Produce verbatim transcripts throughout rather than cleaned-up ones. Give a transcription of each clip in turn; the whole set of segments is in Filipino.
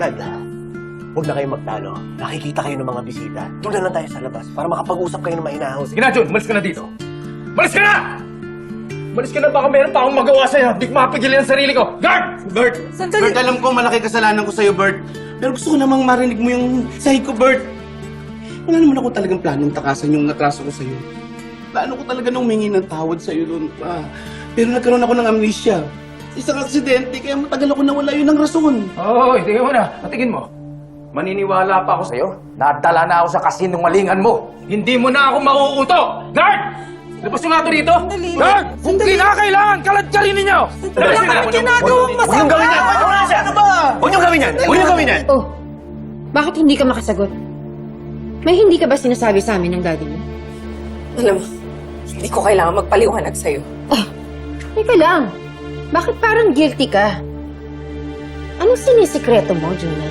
Dad, huwag na kayong magtalo. Nakikita kayo ng mga bisita. Doon na lang tayo sa labas para makapag-usap kayo ng mainahaw. Sige na, Jun. Malis ka na dito. Malis ka na! Malis ka na. Baka meron pa akong magawa sa'yo. Hindi ko mapigilan ang sarili ko. Guard! Bert! Sandali. Bert, alam ko malaki kasalanan ko sa'yo, Bert. Pero gusto ko namang marinig mo yung sahig ko, Bert. Wala naman ako talagang planong takasan yung natraso ko sa'yo. Plano ko talaga nung humingi ng tawad sa'yo doon pa. Pero nagkaroon ako ng amnesia. Isang aksidente, kaya matagal ako nawala yun ng rason. Oo, oh, tingin mo na. Patingin mo. Maniniwala pa ako sa'yo. Nadala na ako sa kasinungalingan mo. Hindi mo na ako mauuto. Guard! Labas nyo nga ito dito. Sandali. Guard! Kung kinakailangan, kalat ka rin ninyo. Wala ka nang ginagawang Huwag niyong masama! gawin yan! Ano ba? Huwag niyong gawin yan! Huwag niyong gawin yan! Oh, bakit hindi ka makasagot? May hindi ka ba sinasabi sa amin ng daddy mo? Alam mo, hindi ko kailangan magpaliwanag sa'yo. Oh, teka lang. Bakit parang guilty ka? Anong sinisikreto mo, Jonah?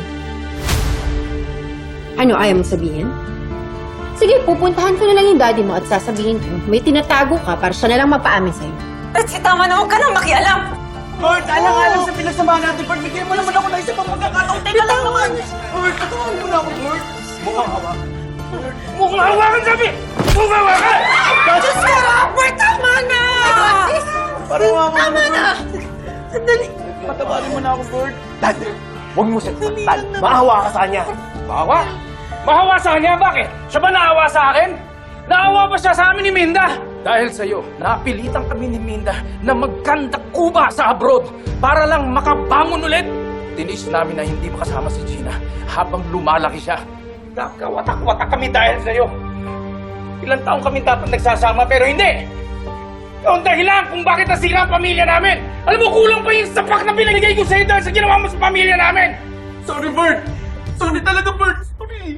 Ano ayaw mong sabihin? Sige, pupuntahan ko na lang yung daddy mo at sasabihin ko, may tinatago ka para siya na lang mapaamin sa'yo. Betsy, tama na, huwag ka nang makialam! Bert, alang-alang sa pinagsamahan natin, Bert. Bigyan mo naman ako ng isa pang pagkakataon. Teka lang naman! Bert, katawan mo na ako, Bert. Mukhang hawa. Mukhang hawakan sabi! Mukhang hawakan! Diyos ko! Bert, tama na! Parang hawa Tama na! Sandali. Patabalin mo na ako, Bert. Dad, huwag mo siya saktan. Maawa ka sa kanya. Mahawa? Mahawa sa kanya? Bakit? Siya ba naawa sa akin? Naawa ba siya sa amin ni Minda? Dahil sa'yo, napilitan kami ni Minda na magkandakuba sa abroad para lang makabangon ulit. Tinis namin na hindi makasama si Gina habang lumalaki siya. Nakawatak-watak kami dahil sa'yo. Ilang taong kami dapat nagsasama pero hindi. Ikaw ang dahilan kung bakit nasira ang pamilya namin. Alam mo, kulang pa yung sapak na binigay ko sa'yo dahil sa ginawa mo sa pamilya namin. Sorry, Bert. Sorry talaga, Bert. Sorry.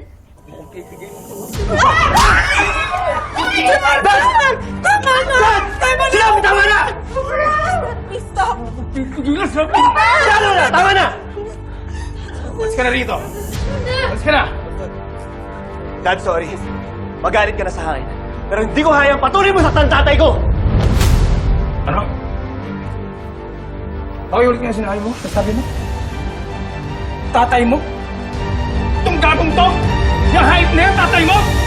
Tama na! Tama na! Tama na! Sinabi, tama na! Please stop! Tama na! Tama na! Mas ka na rito. Mas ka na. Dad, sorry. Magalit ka na sa akin. Pero hindi ko hayang patuloy mo sa tatay ko! Ano? Pakiulit nga sinabi mo? Sabi mo? Tatay mo? Itong gagong to? Yung hype na yan, tatay mo?